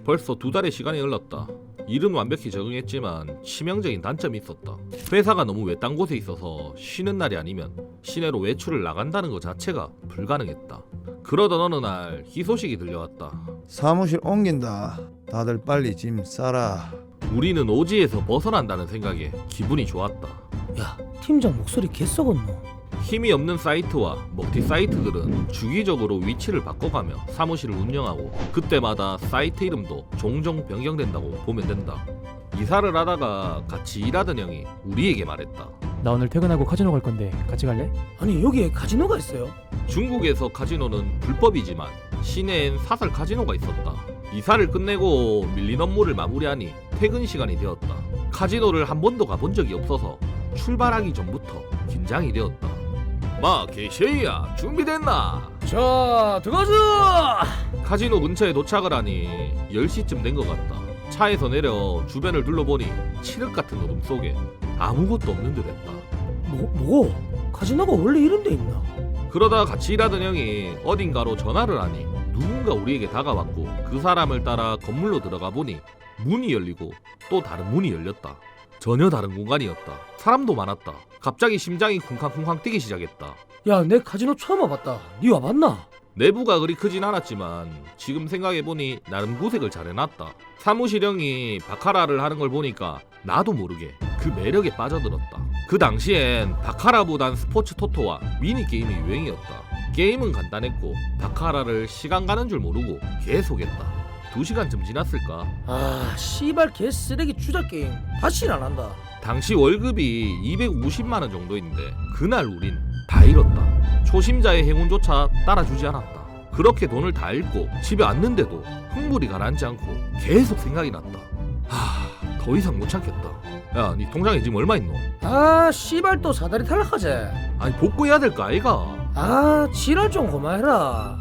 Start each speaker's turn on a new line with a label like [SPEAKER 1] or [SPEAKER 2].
[SPEAKER 1] 벌써 2달의 시간이 흘렀다. 일은 완벽히 적응했지만 치명적인 단점이 있었다. 회사가 너무 외딴 곳에 있어서 쉬는 날이 아니면 시내로 외출을 나간다는 것 자체가 불가능했다. 그러던 어느 날 희소식이 들려왔다.
[SPEAKER 2] 사무실 옮긴다. 다들 빨리 짐 싸라.
[SPEAKER 1] 우리는 오지에서 벗어난다는 생각에 기분이 좋았다.
[SPEAKER 3] 야, 팀장 목소리 개썩었노.
[SPEAKER 1] 힘이 없는 사이트와 먹튀 사이트들은 주기적으로 위치를 바꿔가며 사무실을 운영하고 그때마다 사이트 이름도 종종 변경된다고 보면 된다. 이사를 하다가 같이 일하던 형이 우리에게 말했다.
[SPEAKER 4] 나 오늘 퇴근하고 카지노 갈 건데 같이 갈래?
[SPEAKER 3] 아니 여기에 카지노가 있어요?
[SPEAKER 1] 중국에서 카지노는 불법이지만 시내엔 사설 카지노가 있었다. 이사를 끝내고 밀린 업무를 마무리하니 퇴근 시간이 되었다. 카지노를 한 번도 가본 적이 없어서 출발하기 전부터 긴장이 되었다. 마 개쉐이야 준비됐나?
[SPEAKER 3] 자, 들어가자.
[SPEAKER 1] 카지노 근처에 도착을 하니 10시쯤 된 것 같다. 차에서 내려 주변을 둘러보니 칠흑 같은 어둠 속에 아무것도 없는 듯 했다.
[SPEAKER 3] 뭐? 카지노가 원래 이런 데 있나?
[SPEAKER 1] 그러다 같이 일하던 형이 어딘가로 전화를 하니 누군가 우리에게 다가왔고 그 사람을 따라 건물로 들어가 보니 문이 열리고 또 다른 문이 열렸다. 전혀 다른 공간이었다. 사람도 많았다. 갑자기 심장이 쿵쾅쿵쾅 뛰기 시작했다.
[SPEAKER 3] 야, 내 카지노 처음 와봤다. 니 와봤나?
[SPEAKER 1] 내부가 그리 크진 않았지만 지금 생각해보니 나름 구색을 잘 해놨다. 사무실 형이 바카라를 하는 걸 보니까 나도 모르게 그 매력에 빠져들었다. 그 당시엔 바카라보단 스포츠 토토와 미니게임이 유행이었다. 게임은 간단했고 바카라를 시간 가는 줄 모르고 계속했다. 2시간쯤 지났을까?
[SPEAKER 3] 아, 씨발 개쓰레기 주작 게임. 다시는 안 한다.
[SPEAKER 1] 당시 월급이 250만원 정도인데 그날 우린 다 잃었다. 초심자의 행운조차 따라주지 않았다. 그렇게 돈을 다 잃고 집에 왔는데도 흥분이 가라앉지 않고 계속 생각이 났다. 더 이상 못 참겠다. 야, 니 통장에 지금 얼마 있노?
[SPEAKER 3] 아, 씨발 또 사다리 탈락하지.
[SPEAKER 1] 아니 복구해야 될 거 아이가?
[SPEAKER 3] 아, 지랄 좀 그만해라.